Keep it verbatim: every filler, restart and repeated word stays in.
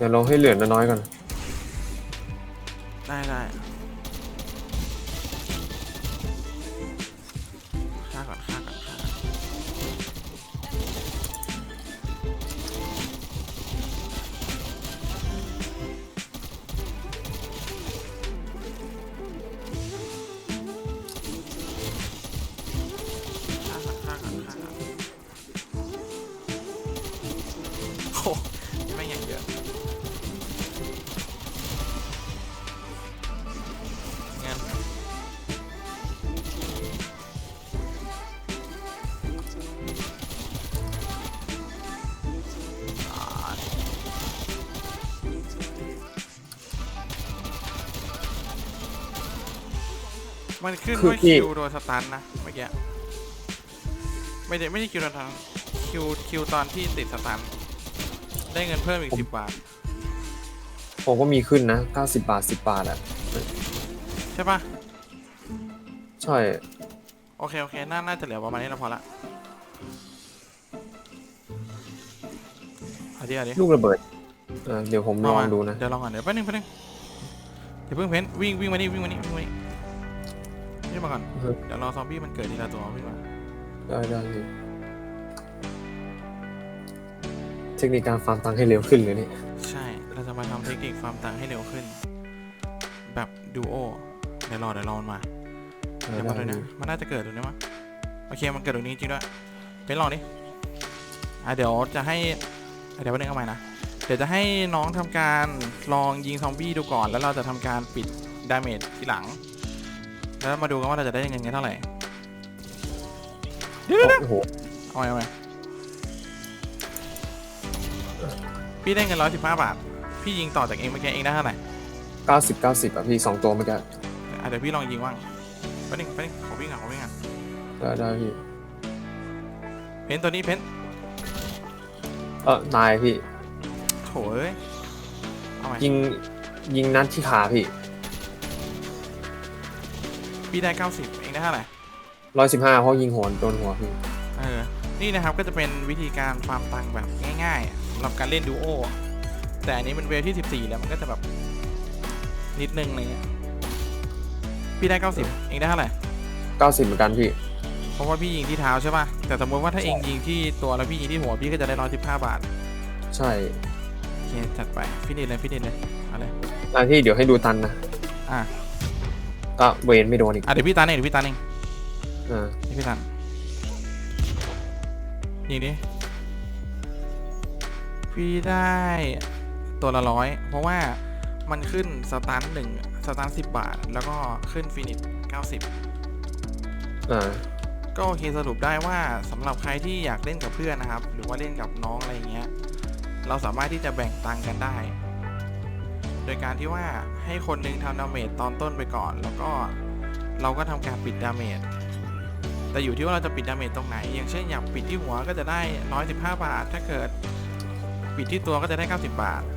ยวเราให้เหลือน้อยๆก่อนได้ได้ฆ่าก่อนฆ่าก่อนฆ่าก่อนฆ่าก่อนฆ่าก่อนฆ่าก่อนโอ้ไม่อย่างเยอะงั้นมันขึ้นว่าคิวโดนสตันนะเมื่อกี้ไม่ได้ไม่ใช่คิวโดนสตันคิวคิวตอนที่ติดสตันได้เงินเพิ่มอีกสิบบาทผมก็มีขึ้นนะเก้าสิบบาทสิบบาทอ่ะใช่ปะใช่โอเคโอเคน่าน่าจะเหลือประมาณนี้แล้วพอละเอาดิเอาดิลูกระเบิดเออเดี๋ยวผมลองดูนะเดี๋ยวลองก่อนเดี๋ยวแป๊บนึงแป๊บนึงเดี๋ยวเพิ่งเพ้นวิ่งวิ่งมานี่วิ่งมานี่วิ่งมานี่นี่มาก่อนเดี๋ยวรอซอมบี้มันเกิดทีละตัววิ่งมาได้ได้เทคนิคการฟาร์มตังค์ให้เร็วขึ้นเลยนี่ใช่เราจะมาทำเทคนิคฟาร์มตังค์ให้เร็วขึ้นแบบดูโอเดี๋ยวรอเดี๋ยวรอมันมาเดี๋ยวมาเลยนะมันน่าจะเกิดตรงนี้มั้งโอเคมันเกิดตรงนี้จริงด้วยเป็นลองดิอ่ะเดี๋ยวจะให้เดี๋ยวแป๊บนึงเอาใหม่นะเดี๋ยวจะให้น้องทำการลองยิงซอมบี้ดูก่อนแล้วเราจะทำการปิดดาเมจทีหลังแล้วมาดูกันว่าเราจะได้เงินเท่าไหร่เดี๋ยวโอ้โหเอาใหม่เอาใหม่พี่ได้เงินร้อยสิบห้าบาทพี่ยิงต่อจากเองเมื่อกี้เองได้เท่าไหร่เก้าสิบเก้าสิบอ่ะพี่สองตัวเมื่อกี้เดี๋ยวพี่ลองยิงว่างไปหนึ่งไปหนึ่งขอวิ่งอ่ะขอวิ่งอ่ะได้ได้พี่เพนตัวนี้เพนเออตายพี่โถเอ้ยเอาใหม่ยิงยิงนัดที่ขาพี่พี่ได้เก้าสิบเองได้เท่าไหร่ร้อยสิบห้าเพราะยิงหัวโดนหัวพี่เออนี่นะครับก็จะเป็นวิธีการฟาร์มตังค์แบบง่ายๆสำหรับการเล่นดูโอแต่อันนี้มันเวลที่สิบสี่แล้วมันก็จะแบบนิดนึงอะไรเงี้ยพี่ได้เก้าสิบเองได้เท่าไหร่เก้าสิบเหมือนกันพี่เพราะว่าพี่ยิงที่เท้าใช่ป่ะแต่สมมติว่าถ้าเองยิงที่ตัวแล้วพี่ยิงที่หัวพี่ก็จะได้ร้อยสิบห้าบาทใช่โอเคจัดไปฟินิชเลยฟินิชเลยอะไรอ่ะพี่เดี๋ยวให้ดูตันนะอ่ะก็เวนไม่โดนอีกอ่ะเดี๋ยวพี่ตันเองเดี๋ยวพี่ตันเองอ่าพี่ตันยิงดิพี่ได้ตัวละร้อยเพราะว่ามันขึ้นสตาร์ทหนึ่งสตาร์ทสิบบาทแล้วก็ขึ้นฟินิชเก้าสิบอ่าก็โอเคสรุปได้ว่าสำหรับใครที่อยากเล่นกับเพื่อนนะครับหรือว่าเล่นกับน้องอะไรอย่างเงี้ยเราสามารถที่จะแบ่งตังค์กันได้โดยการที่ว่าให้คนนึงทำดาเมจตอนต้นไปก่อนแล้วก็เราก็ทำการปิดดาเมจแต่อยู่ที่ว่าเราจะปิดดาเมจตรงไหนอย่างเช่นอยากปิดที่หัวก็จะได้ร้อยสิบห้าบาทถ้าเกิดปิดที่ตัวก็จะได้เก้าสิบบาท